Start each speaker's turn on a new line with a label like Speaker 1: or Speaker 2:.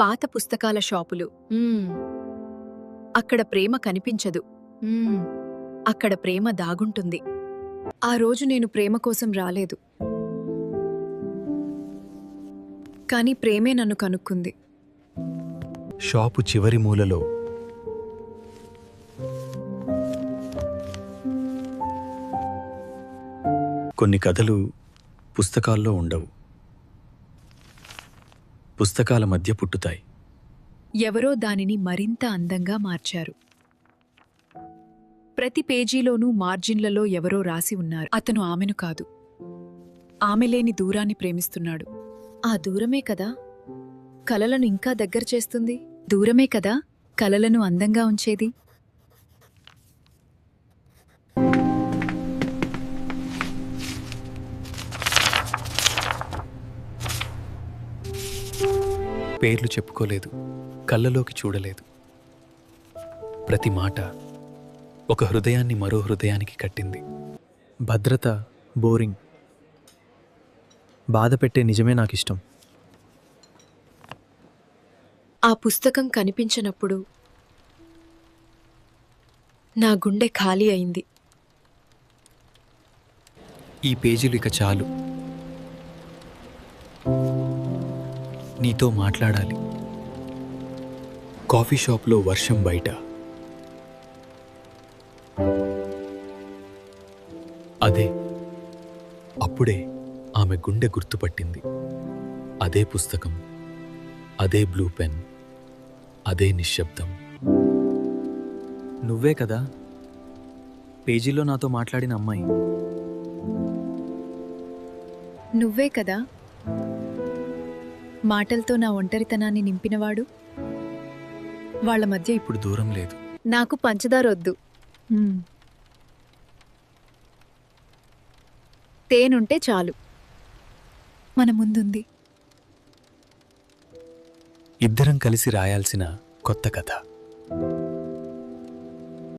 Speaker 1: పాత పుస్తకాల షాపులు. అక్కడ ప్రేమ కనిపించదు. అక్కడ ప్రేమ దాగుంటుంది. ఆ రోజు నేను ప్రేమ కోసం రాలేదు, కాని ప్రేమే నన్ను కనుక్కుంది.
Speaker 2: షాపు చివరి మూలలో కొన్ని కథలు పుస్తకాల్లో ఉండవు, పుస్తకాల మధ్య పుట్టుతాయి.
Speaker 1: ఎవరో దానిని మరింత అందంగా మార్చారు. ప్రతి పేజీలోనూ మార్జిన్లలో ఎవరో రాసి ఉన్నారు. అతను ఆమెను కాదు, ఆమె లేని దూరాన్ని ప్రేమిస్తున్నాడు. ఆ దూరమే కదా కలలను ఇంకా దగ్గర చేస్తుంది. దూరమే కదా కలలను అందంగా ఉంచేది.
Speaker 2: పేర్లు చెప్పుకోలేదు, కళ్ళలోకి చూడలేదు. ప్రతి మాట ఒక హృదయాన్ని మరో హృదయానికి కట్టింది.
Speaker 3: భద్రత బోరింగ్, బాధ పెట్టే నిజమే నాకిష్టం.
Speaker 1: ఆ పుస్తకం కనిపించనప్పుడు నా గుండె ఖాళీ అయింది.
Speaker 2: ఈ పేజీలు ఇక చాలు, నీతో మాట్లాడాలి. కాఫీ షాప్లో వర్షం బయట. అదే అప్పుడే ఆమె గుండె గుర్తుపట్టింది. అదే పుస్తకం, అదే బ్లూ పెన్, అదే నిశ్శబ్దం.
Speaker 3: నువ్వే కదా పేజీలో నాతో మాట్లాడిన అమ్మాయి.
Speaker 1: నువ్వే కదా మాటలతో నా ఒంటరితనాన్ని నింపినవాడు. వాళ్ళ మధ్య
Speaker 2: ఇప్పుడు దూరం లేదు.
Speaker 1: నాకు పంచదారొద్దు, తేనుంటే చాలు. మన ముందుంది
Speaker 2: ఇద్దరం కలిసి రాయాల్సిన కొత్త కథ.